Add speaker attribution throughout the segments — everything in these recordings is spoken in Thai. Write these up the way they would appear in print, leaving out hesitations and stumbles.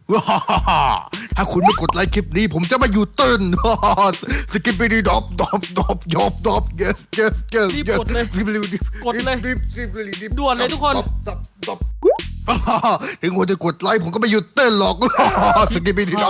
Speaker 1: ถ้าคุณไม่กดไลค์คลิปนี้ผมจะไม่อยู่ตื่นสกิปไปดีดอบ yes
Speaker 2: รีบกดเลยกดเลยด่วนเลยทุกคน
Speaker 1: ถึงผมจะกดไลค์ผมก็ไม่หยุดเต้นหรอกสกิปไปดีดอบ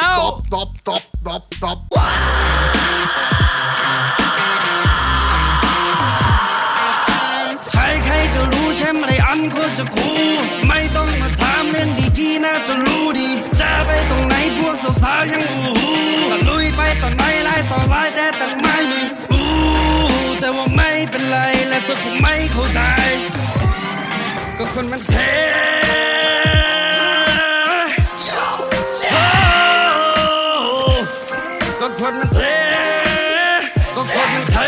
Speaker 3: ใครก็รู้ใช่ไหมอันโคตรจะคูลไม่ต้องมาถามเรื่องดีๆน่าจะรู้ดีจะไปตรงไหนพวกสาวๆยังตะลุยไปต่อไหนไล่ต่อไล่แต่ตั้งไม่มีแต่ว่าไม่เป็นไรและเธอคงไม่เข้าใจก็คนมันเทก็คนมันเทก็คนมันเท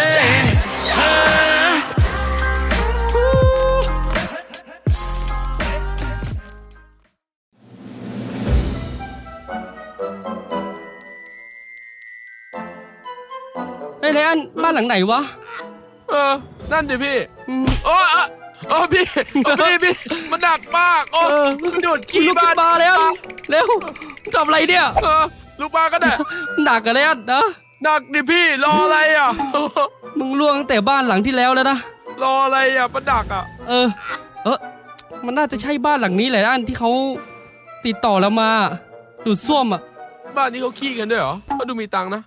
Speaker 2: เฮ้ยไลอ้อนบ้านหลังไหนวะ
Speaker 4: นั่นดิพี่พี่มันหนักมากโดดขี้
Speaker 2: ลุก
Speaker 4: บ้า
Speaker 2: ขึ้
Speaker 4: น
Speaker 2: นมาแล้วเร็วทำอะไรเนี่ย
Speaker 4: ลูกบ้านก็ได้
Speaker 2: หนักกันไลอ้อนนะ
Speaker 4: หนักดิพี่รออะไรอ่ะ
Speaker 2: มึงล่วงตั้งแต่บ้านหลังที่แล้วแล้วนะ
Speaker 4: รออะไรอ่ะมันหนักอ่ะ
Speaker 2: มันน่าจะใช่บ้านหลังนี้แหละอันที่เขาติดต่อเรามาดูดซ่วมอ่ะ
Speaker 4: บ้านนี้เขาขี้กันด้วยเหรอเขาดูมีตังค์นะ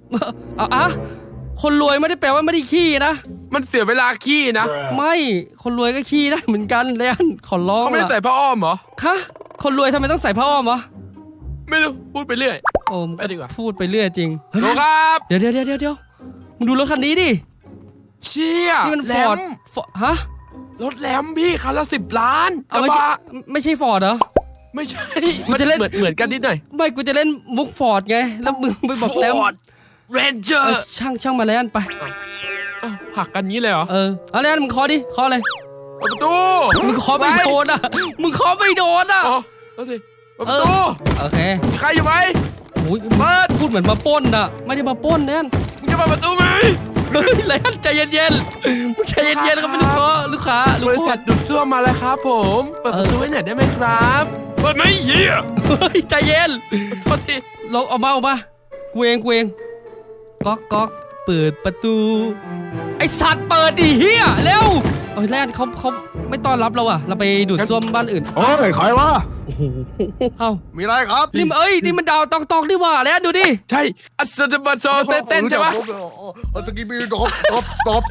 Speaker 2: คนรวยไม่ได้แปลว่าไม่ได้ขี้นะ
Speaker 4: มันเสียเวลาขี้นะ
Speaker 2: ไม่คนรวยก็ขี้ได้เหมือนกันเลยอันขอร้อง
Speaker 4: เขาไม่ได้ใส่ผ้าอ้อมเหรอ
Speaker 2: คะคนรวยทำไมต้องใส่ผ้าอ้อมวะ
Speaker 4: ไม่รู้พูดไปเรื่อย
Speaker 2: โอ้มึง
Speaker 4: ไปดีกว่า
Speaker 2: พูดไปเรื่อยจริง
Speaker 4: โลครับ
Speaker 2: เดี๋ยวมึงดูรถคันนี้ดิ
Speaker 4: เชี่ย
Speaker 2: นี่มัน
Speaker 4: แหล
Speaker 2: ฟอร์ด
Speaker 4: ม
Speaker 2: ฮะ
Speaker 4: รถแหลมพี่คันละ10 ล้านก
Speaker 2: เอา
Speaker 4: ระ
Speaker 2: ไม่ใช่
Speaker 4: บะ
Speaker 2: ฟอร์ดเหรอ
Speaker 4: ไม่ใช่
Speaker 2: กูจะเล่น
Speaker 4: เหมือนกันนิดหน่อย
Speaker 2: ไม่กูจะเล่นมุกฟอร์ดไงแล้วมึงไปบอกแล้ว
Speaker 4: Ford Ranger
Speaker 2: ช่างมาแล้วอันไป
Speaker 4: หักกันงี้เลยเหรอ
Speaker 2: เอาแล้วมึงเคาะดิเคาะเลย
Speaker 4: เปิดประตู
Speaker 2: มึงเคาะไม่โดนอ่ะมึงเคาะไม่โดนอ่ะ
Speaker 4: อ๋อเอาสิเปิดประตู
Speaker 2: โอเค
Speaker 4: มีใครอยู่ไหม
Speaker 2: โอ้ย
Speaker 4: เปิด
Speaker 2: พูดเหมือนมาปล้นอ่ะไม่ได้มาปล้นแน่น
Speaker 4: มึงจะเปิดประตูไหม
Speaker 2: เฮ้ยเลยอันใจเย็นๆมึงใจเย็นๆก็ไม่รู้ก็ลูกค้า
Speaker 4: บริษัทดูดซ่วมมาแล้วครับผมเปิดประตูให้หน่อยได้ไหมครับเปิดไหมเหี้ย
Speaker 2: เฮ้ยใจเย็น
Speaker 4: โทษที
Speaker 2: ลงออกมากูเองก๊อกเปิดประตู ไอสัตว์เปิดดิเฮียเร็วเอ้ยแรกเขาไม่ต้อนรับเราอ่ะเราไปดูดซ่วมบ้านอื่น
Speaker 1: โอ้ยใครวะ
Speaker 2: เอ้า
Speaker 1: มีอะไรครับ
Speaker 2: นี่มันดาวตอกนี่หว่าแล้วดูดิ
Speaker 4: ใช่อัศจรรย์โซเต้นใช่ปะ
Speaker 1: สกิปปี้ดอบ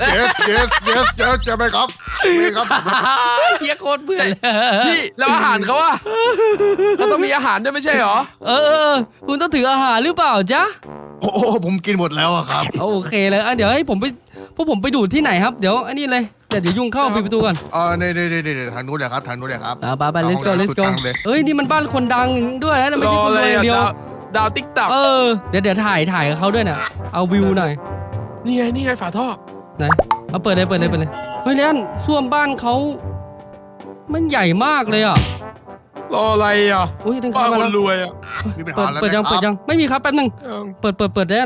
Speaker 1: yes ใช่ไหมครับนี่ครับ
Speaker 2: เฮียโคตรเพื่อน
Speaker 4: พี่แล้วอาหารเขาอะเขาต้องมีอาหารด้วยไม่ใช่เหรอ
Speaker 2: คุณต้องถืออาหารหรือเปล่าจ๊ะ
Speaker 1: โอ้ผมกินหมดแล้วอะครับ
Speaker 2: โอเคเลยเดี๋ยวให้ผมไปพวกผมไปดูดที่ไหนครับเดี๋ยวอันนี้เลยเดี๋ยวยุ่งเข้าปิดประตูก่อน
Speaker 1: นี่ทางนู้นเลยครับทางนู้นเลยครับ
Speaker 2: ไป let's go เอ้ยนี่มันบ้านคนดังด้วยนะไม่
Speaker 4: ร
Speaker 2: ใช่
Speaker 4: อ
Speaker 2: คน
Speaker 4: เล
Speaker 2: รวย ยอย่างเดียว
Speaker 4: ดาวติ๊กต็อก
Speaker 2: เดี๋ยวถ่ายกับเขาด้วยน่ะเอาวิวหน่อย
Speaker 4: นี่ไงฝาท่อ
Speaker 2: ไหนเอาเปิดเลยเฮ้ยเล่นส้วมบ้านเขามันใหญ่มากเลยอ่ะ
Speaker 4: รออะไรอ่ะ
Speaker 2: อุ้ยเดิน
Speaker 4: บ้า
Speaker 2: เข้าน มา
Speaker 4: ค
Speaker 2: แล้ว
Speaker 4: นรวยอ่ะ
Speaker 1: มีปัญ
Speaker 2: เปิ
Speaker 1: หา
Speaker 2: ด
Speaker 1: แล้ว
Speaker 2: เปิดยังไม่มีครับแป๊บนึงเปิดเล่น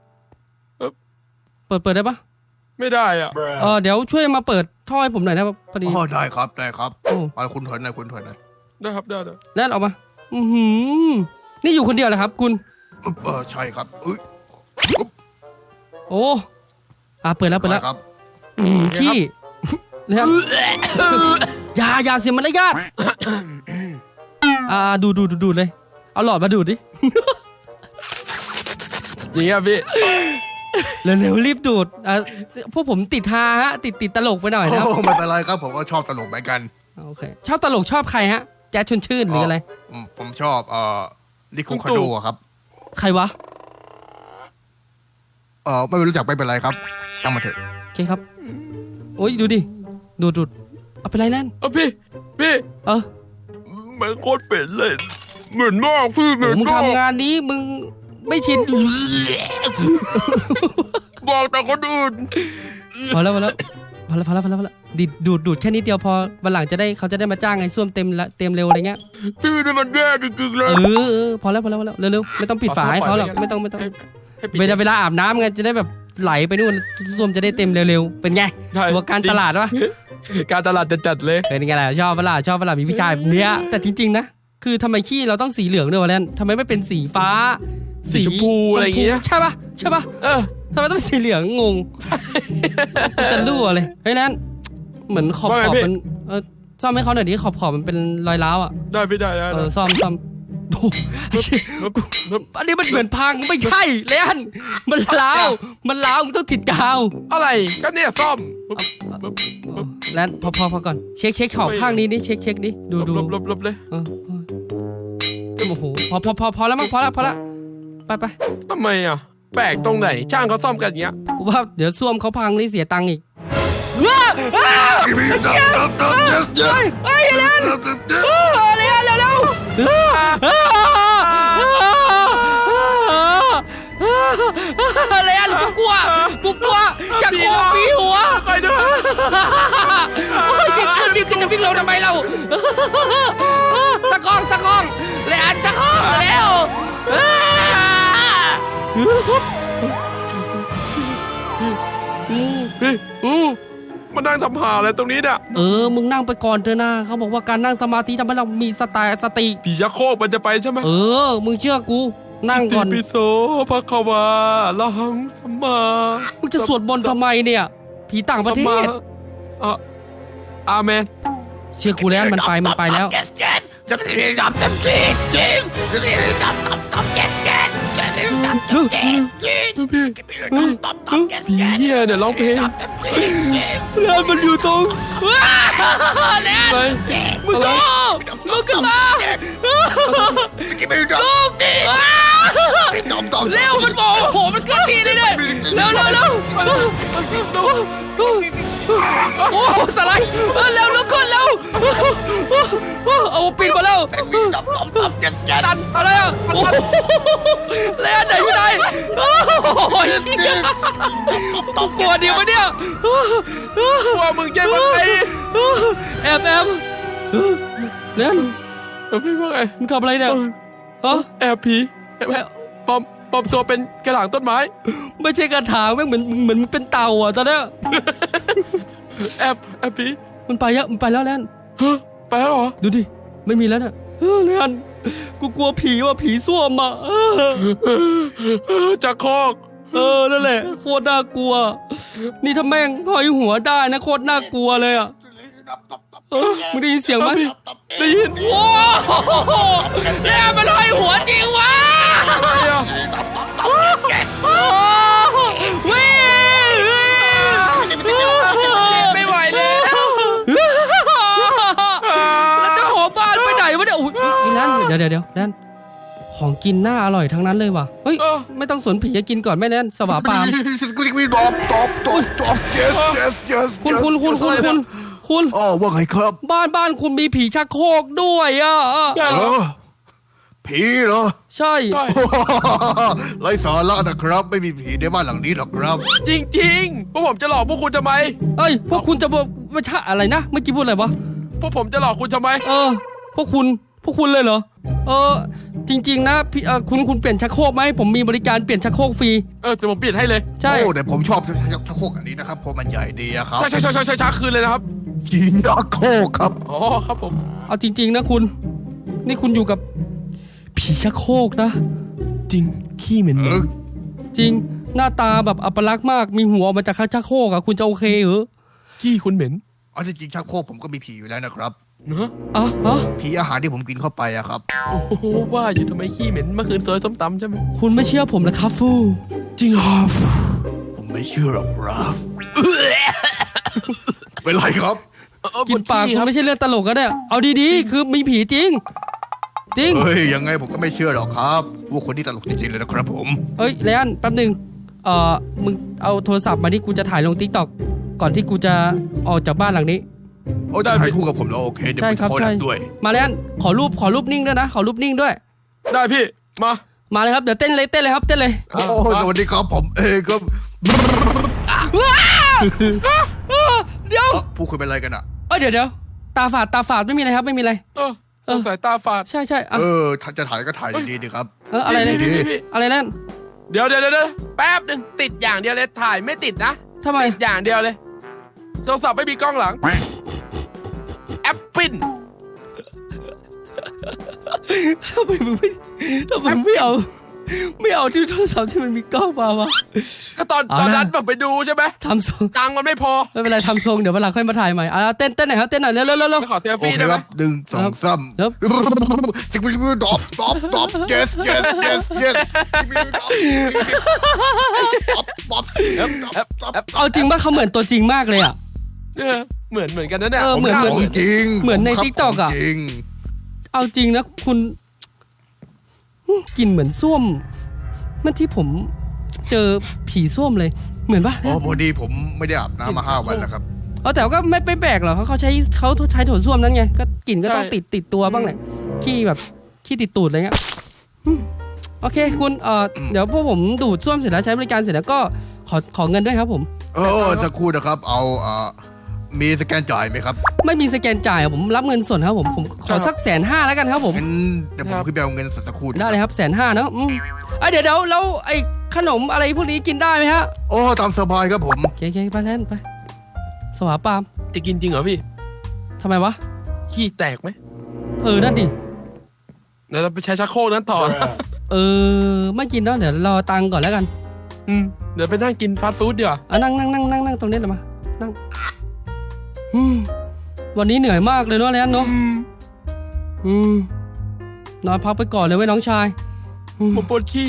Speaker 2: เปิดได้ปะ
Speaker 4: ไม่ได้อ่ะ
Speaker 2: เดี๋ยวช่วยมาเปิดท่อให้ผมหน่อยนะพอดี
Speaker 1: ได้ครับ
Speaker 2: โอ้
Speaker 1: ไปคุณถอยหน่อย
Speaker 4: ได้ครับได้
Speaker 2: เล่นออกมานี่อยู่คนเดียวเหรอครับคุณ
Speaker 1: ใช่ครับ
Speaker 2: โอ้เปิดแล้ว
Speaker 1: ครับ
Speaker 2: ขี้แล้วอย่าเสียมารยาทดูดเลยเอาหลอดมาดูดดิ
Speaker 4: จริงอ่ะพี่
Speaker 2: เร็วรีบดูดพวกผมติดฮาฮะติดตลกไปหน่อยนะครับ
Speaker 1: ไม่เป็นไรครับผมก็ชอบตลกเหมือนกัน
Speaker 2: โอเคชอบตลกชอบใครฮะแจ๊ดชวนชื่นหรืออะไร
Speaker 1: ผมชอบนิโคลคาโดครับ
Speaker 2: ใครวะ
Speaker 1: ไม่รู้จักไม่เป็นไรครับช่างมาเถอะ
Speaker 2: โอเคครับโอ้ยดูดิดูดเอาไปไรแล่น
Speaker 4: พี่เหมือนโคตรเป็ดเลยเหมือนมากพี่เหมือน
Speaker 2: มึง
Speaker 4: มาก
Speaker 2: ทำงานนี้มึงไม่ชิน
Speaker 4: บอกแต่คนอื่น
Speaker 2: พอแล้วดูดแค่นิดเดียวพอวันหลังเขาจะได้มาจ้างไงส้วมเต็มเร็วอะไรเงี้ย
Speaker 4: พี่นี่มันแย่จริงๆเลย
Speaker 2: พอแล้วเร็วไม่ต้องปิดฝาให้เขาหรอกไม่ต้องเวลาอาบน้ำไงจะได้แบบไหลไปนู่นส้วมจะได้เต็มเร็วๆเป็นไงตัวการตลาดวะ
Speaker 4: การตลาดจะจัดเลย
Speaker 2: เป็นไงล่ะชอบเวลามีพี่ชายแบบเนี้ยแต่จริงๆนะคืคือทำไมขี้เราต้องสีเหลืองด้วยวะแลนทำไมไม่เป็นสีฟ้า
Speaker 4: สีชมพูอะไรอย่างเงี้ย
Speaker 2: ใช่ปะใช่ปะ
Speaker 4: เออ
Speaker 2: ทำไมต้องสีเหลืองงงกูจะรั่วเลยเฮ้ยแลนเหมือนขอบ
Speaker 4: ว่าไงพี่
Speaker 2: มันซ่อมให้เขาหน่อยดิขอบมันเป็นรอยร้าวอ่ะ
Speaker 4: ได้พี่ได้ได้
Speaker 2: ซ่อมโอ้ไอ้เชี่ยอันนี้มันเหมือนพังไม่ใช่แลนมันร้าวมึงต้องติดกาว
Speaker 4: อะไรก็เนี่ยซ่อม
Speaker 2: แลนพอก่อนเช็คขอบข้างนี้ดิเช็คดิดู
Speaker 4: ลบเลย
Speaker 2: โอ้โหพอแล้วมั้งพอละไป
Speaker 4: ทำไมอ่ะแปลกตรงไหนช่างเขาซ่อมกันอย่างเงี้ย
Speaker 2: กูว่าเดี๋ยวซ่วมเขาพังนี่เสียตังค์อีกเฮ้ยเร็วเร็วอะไรอ่ะกูกลัวจะโคบปีหัว
Speaker 4: คอยดู
Speaker 2: วิ่งขึ้นจะวิ่งลงทำไมเราสะกองเลยอันสะกองแล้ว
Speaker 4: มานั่งทำหาอะไรตรงนี้เนี่ย
Speaker 2: มึงนั่งไปก่อนเถอะนะเขาบอกว่าการนั่งสมาธิทำให้เรามีสติ
Speaker 4: ผีชักโครกมันจะไปใช่ไหม
Speaker 2: มึงเชื่อกูนั่งก่อน
Speaker 4: ติปิโสภะคะวาละหังสัมมา
Speaker 2: มึงจะสวดมนต์ทำไมเนี่ยผีต่างประเทศ
Speaker 4: อาเมน
Speaker 2: เชื่อกูแล้วมันไปแล้ว
Speaker 1: จะไม่ได้ดับเต็มที่จริงจะไม่ได้ดับแก๊สจะไม่ได้ดับแก๊สจริง
Speaker 4: พี่
Speaker 1: ดับแก๊ส
Speaker 4: ผีเหี้ยเนี่ยร้องเพลง
Speaker 2: แล้วมันอยู่ตรงแล้ว
Speaker 4: อะไร
Speaker 2: มึงก็ลุกขึ้นมา
Speaker 1: จะไม่ได้ดับ
Speaker 2: ลุก
Speaker 1: ต้อง
Speaker 2: เร็วมันบอกโหมันเกินทีเลยเนี่ยเร็วโอ้สไลด์เร็วลุกขึ้นเร็วเอาปิดมาแล้ว
Speaker 1: ดับแก๊ส
Speaker 2: ดันอะไรอ่ะโอ้แล้วไหนอยู่ไหนโอ้ยกลัวดีวะเนี่ย
Speaker 4: กลัวมึงใช่ไหม
Speaker 2: แอบเล่น
Speaker 4: พี่ว่าไง
Speaker 2: มึงทำอะไรเนี่ยฮะ
Speaker 4: แอบผีปลอมตัวเป็นกระถางต้นไม้
Speaker 2: ไม่ใช่กระถางแม่งเหมือนเป็นเต่าอ่ะตอนเนี้ย
Speaker 4: แอบผี
Speaker 2: มันไปแล้วแลน
Speaker 4: ไปแล้วเหรอ
Speaker 2: ดูดิไม่มีแล้วเนี่ยแลนกูกลัวผีว่ะผีส้วมอ่ะ
Speaker 4: จากคอก
Speaker 2: นั่นแหละโคตรน่ากลัวนี่ถ้าแม่งห้อยหัวได้นะโคตรน่ากลัวเลยอ่ะมึงได้ยินเสียงไหม
Speaker 4: ได้ยิน
Speaker 2: โอ้โหแล้วมันห้อยหัวจริงวะวิ่ง
Speaker 4: ไม่ไหวแล้ว
Speaker 2: แล้วเจ้าของบ้านไปไหนวะเนี่ยอุ้ยอีนั่นเดี๋ยวนั่นของกินน่าอร่อยทั้งนั้นเลยว่ะเฮ้ยไม่ต้องสนผีจะกินก่อนแม่แน่นสวาปาม
Speaker 1: กูจะไม่ดับคุณอ๋อว่าไงครับ
Speaker 2: บ้านคุณมีผีชักโครกด้วยอ่ะ
Speaker 1: ผีเหรอ
Speaker 2: ใช่
Speaker 1: ไร้สาระนะครับไม่มีผีในบ้านหลังนี้หรอกครับ
Speaker 4: จริงๆพวกผมจะหลอกพวกคุณทำไม
Speaker 2: เอ้ยพวกคุณจะบอกไม่ใช่อะไรนะเมื่อกี้พูดอะไรวะ
Speaker 4: พวกผมจะหลอกคุณทำไม
Speaker 2: พวกคุณเลยเหรอจริงๆนะพี่คุณเปลี่ยนชักโครกไหมผมมีบริการเปลี่ยนชักโครกฟรี
Speaker 4: จะผมเปลี่ยนให้เลย
Speaker 2: ใช่
Speaker 1: โอ้แต่ผมชอบชักโครกอันนี้นะครับเพราะมันใหญ่ดีอะครับ
Speaker 4: ใช่ช้าคืนเลยนะครับ
Speaker 1: จีนชักโครกครับ
Speaker 4: อ๋อครับผม
Speaker 2: เอาจริงๆนะคุณนี่คุณอยู่กับผีชักโครกนะ
Speaker 4: จริงขี้เหม็น
Speaker 2: จริงหน้าตาแบบอัปลักษณ์มากมีหัวออกมาจากชักโครกอะคุณจะโอเคเหรอ
Speaker 4: ขี้คุณเหม็น
Speaker 1: เอาจริงๆชักโครกผมก็มีผีอยู่แล้วนะครับ
Speaker 4: เนอะ
Speaker 1: ผีอาหารที่ผมกินเข้าไปอะครับ
Speaker 4: โอ้โหว่าอยู่ทำไมขี้เหม็นเมื่อคืนซอยส้มตำใช่ไหม
Speaker 2: คุณไม่เชื่อผมนะครับฟู
Speaker 4: จริงเหรอ
Speaker 1: ผมไม่เชื่อหรอกครับเป็นไรครับ
Speaker 2: กินปากคุณไม่ใช่เรื่องตลกก็ได้เอาดีๆคือมีผีจริง
Speaker 1: เฮ้ยยังไงผมก็ไม่เชื่อหรอกครับว่าคนที่ตลกจริงๆเลยนะครับผม
Speaker 2: เอ้ยเลอันแป๊บนึงมึงเอาโทรศัพท์มาที่กูจะถ่ายลง TikTok ก่อนที่กูจะออกจากบ้านหลังนี้
Speaker 1: โอ้จะถ่ายคู่กับผมแล้วโอเคเดี๋ยวผมขอแลกด้วย
Speaker 2: มาเลอันขอรูปนิ่งด้วยนะขอรูปนิ่งด้วย
Speaker 4: ได้พี่มา
Speaker 2: เลยครับเดี๋ยวเต้นเลยครับเต้นเลย
Speaker 1: โอ้สวัสดีครับผมครับ
Speaker 2: เดี๋ยว
Speaker 1: ผู้คุยเป็นอะไรกันอ่ะ
Speaker 2: เดี๋ยวตาฝาดไม่มีอะไรครับไม่มีอะไร
Speaker 4: สายตาฝาด
Speaker 2: ใช่
Speaker 1: จะถ่ายก็ถ่ายดีๆครับ
Speaker 2: อะไรเนี่ยอะไรนั่น
Speaker 4: เดี๋ยวแป๊บนึงติดอย่างเดียวเลยถ่ายไม่ติดนะ
Speaker 2: ทำไม
Speaker 4: อย่างเดียวเลยโทรศัพท์ไม่มีกล้องหลังแอปปิ้น
Speaker 2: ทำไมมึงไม่เอาที่โทรศัพท์ที่มันมีกล้องมาวะ
Speaker 4: ก็ตอน
Speaker 2: เอานะ
Speaker 4: นั้นผมไปดูใช่ไหม
Speaker 2: ทำทรง
Speaker 4: ตังค์มันไม่พอ
Speaker 2: ไม่เป็นไรทำทรงเดี๋ยววันหลังค่อยมาถ่ายใหม่เต้นหน่อยครับเต้นหน่อยเร็ว
Speaker 4: จะขอเซล
Speaker 3: โอ
Speaker 4: ฟี่
Speaker 3: เค
Speaker 4: ได้ไห
Speaker 3: ค
Speaker 4: ม
Speaker 3: รับหนึ่งสองสาม
Speaker 2: ครับ
Speaker 3: สิบวิวดอบyes yes yes yes ดอบ
Speaker 2: เอาจริงป่ะเขาเหมือนตัวจริงมากเลยอ่ะ
Speaker 4: เหมือนกันนะเนี่ย
Speaker 2: เหมือน
Speaker 3: ของจริง
Speaker 2: เหมือนใน
Speaker 3: ครับ
Speaker 2: TikTok อะ
Speaker 3: ขงจริง
Speaker 2: เอาจริงนะคุณกลิ่นเหมือนส้วมเมื่อที่ผมเจอผีส้วมเลย เหมือนปะ
Speaker 3: อ๋อพอดีผมไม่ได้อาบน้ำมา5 วันแล้วครับ
Speaker 2: แต่ก็ไม่แปลกหรอกเขาใช้โถส้วมนั้นไงก็กลิ่นก็ต้องติดตัวบ้างแหละขี้ติดตูดอะไรเงี้ยโอเคคุณเดี๋ยวพวกผมดูดส้วมเสร็จแล้วใช้บริการเสร็จแล้วก็ขอเงินด้วยครับผม
Speaker 3: สักครู่นะครับเอามีสแกนจ่ายไหมครับ
Speaker 2: ไม่มีสแกนจ่ายอะผมรับเงินส่วนครับผมขอสัก150,000แล้วกันครับผม
Speaker 3: งั้นเดี๋ยวผมขึ้นไปเอาเงินสักครู่
Speaker 2: ได้เลยครับ150,000เนอะเดี๋ยวแล้วไอ้ขนมอะไรพวกนี้กินได้ไหมฮะ
Speaker 3: โอ้ตามสบายครับผม
Speaker 2: โอเคไปแทนไปสวาปาม
Speaker 4: จะกินจริงเหรอพี่
Speaker 2: ทำไมวะ
Speaker 4: ขี้แตกไหม
Speaker 2: นั่นดิ
Speaker 4: เดี๋ยวเราไปใช้ชักโครกนั้นต่อ
Speaker 2: ไม่กินแล้วเดี๋ยวรอตังค์ก่อนแล้วกัน
Speaker 4: เดี๋ยวไปนั่งกินฟาสต์ฟู้ดดีกว่า
Speaker 2: นั่งตรงนี้เดี๋ยวมานั่งวันนี้เหนื่อยมากเลยเนาะแลนเนาะนอนพักไปก่อนเลยเว้ยน้องชาย
Speaker 4: ผมปวดขี้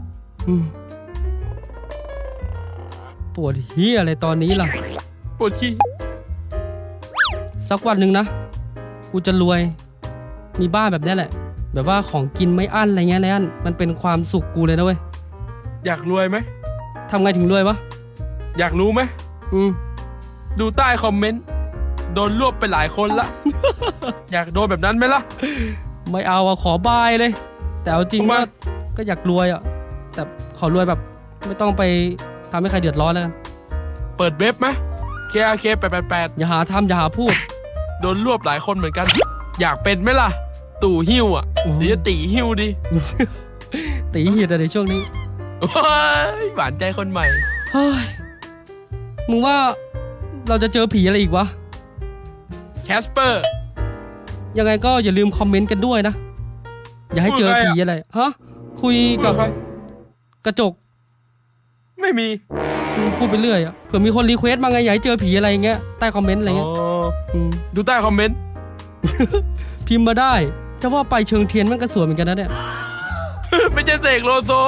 Speaker 2: ปวดเฮียอะไรตอนนี้ล่ะ
Speaker 4: ปวดขี้
Speaker 2: สักวันหนึ่งนะกูจะรวย มีบ้านแบบนี้แหละ แบบว่าของกินไม่อั้นอะไรเงี้ยแลนมันเป็นความสุขกูเลยนะเว้ย
Speaker 4: อยากรวยไหม
Speaker 2: ทำไงถึงรวยวะ
Speaker 4: อยากรู้ไหม ดูใต้คอมเมนต์โดนรวบไปหลายคนละ อยากโดนแบบนั้นไหมล่ะ
Speaker 2: ไม่เอาขอบายเลย แต่เอาจริง
Speaker 4: ทำไม
Speaker 2: ว่าก็อยากรวยแต่ขอรวยแบบไม่ต้องไปทำให้ใครเดือดร้อนแล้วกัน
Speaker 4: เปิดเว็บไหม KRK 888
Speaker 2: อย่าหาทำอย่าหาพูด
Speaker 4: โดนรวบหลายคนเหมือนกัน อยากเป็นไหมล่ะ ตู่หิ้วอ่ะ
Speaker 2: โอ้โห
Speaker 4: หรือจะตีหิ้วดี
Speaker 2: ตีเหียดอะไรช่วงนี้
Speaker 4: ว้ายหวานใจคนใหม่
Speaker 2: เฮ้ยมึงว่าเราจะเจอผีอะไรอีกวะ
Speaker 4: แคสเปอร์
Speaker 2: ยังไงก็อย่าลืมคอมเมนต์กันด้วยนะ อย่าให้เจอผีอะไรฮะคุยกับกระจก
Speaker 4: ไม่มี
Speaker 2: พูดไปเรื่อยเผื่อมีคนรีเควสต์มาไงอย่าให้เจอผีอะไรอย่างเงี้ยใต้คอมเมนต์อะไรเงี้ยม
Speaker 4: ดูใต้คอมเมนต์
Speaker 2: พิมพ์มาได้จะว่าไปเชิงเทียนมันก็สวยเหมือนกันนะเนี่ย
Speaker 4: ไม่ใช่เสกโลโซ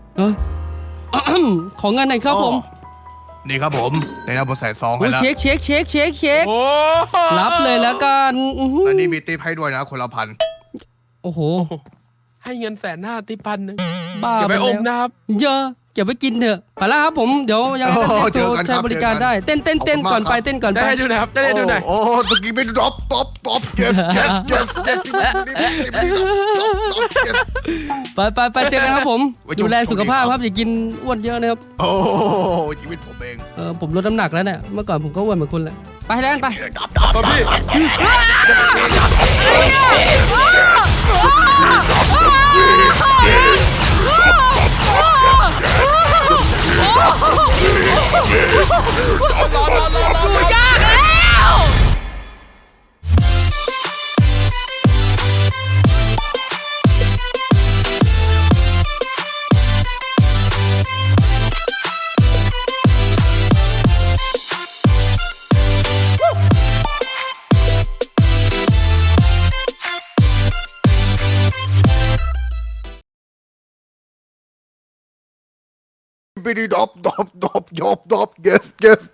Speaker 2: ขอเงินหน่อยครับผม
Speaker 3: นี่ครับผมในน้ำผมใส่ซองให้
Speaker 2: โอ้ย
Speaker 3: แล้ว
Speaker 2: เช็ค
Speaker 4: โอ้
Speaker 2: รับเลยแล้วกัน
Speaker 3: อันนี้มีติ๊บให้ด้วยนะคนละพัน
Speaker 2: โอ้โห
Speaker 4: ให้เงิน150,000ติพันหนึ่ง
Speaker 2: บ้า
Speaker 4: เก็บไปอม
Speaker 2: แล้ว
Speaker 4: นะครับ
Speaker 2: เยอะเก็บไว้กินเถอะไปแล้วครับผมเดี๋ยวยังไงก็โทรใช้บริการได้เต้นก่อนไปเต้นก่อน
Speaker 4: ได้
Speaker 2: ไป
Speaker 4: ให้ดูหนะครับ ได้ให้ดูหน่อย
Speaker 3: โอ้ตะกี้เป็นดรอปyes yes yes yes
Speaker 2: ไปเจอกันครับผม
Speaker 3: ไว้ชม
Speaker 2: ดูแลสุขภาพครับอย่ากินอ้วนเยอะนะครับ
Speaker 3: โอ้ชีวิตผมเอง
Speaker 2: ผมลดน้ำหนักแล้วเนี่ยเมื่อก่อนผมก็อ้วนเหมือนคุณแหละไปแล้วกันไป
Speaker 4: พ่อพี่
Speaker 1: ยากแล้ว
Speaker 3: Bidi dop yes yes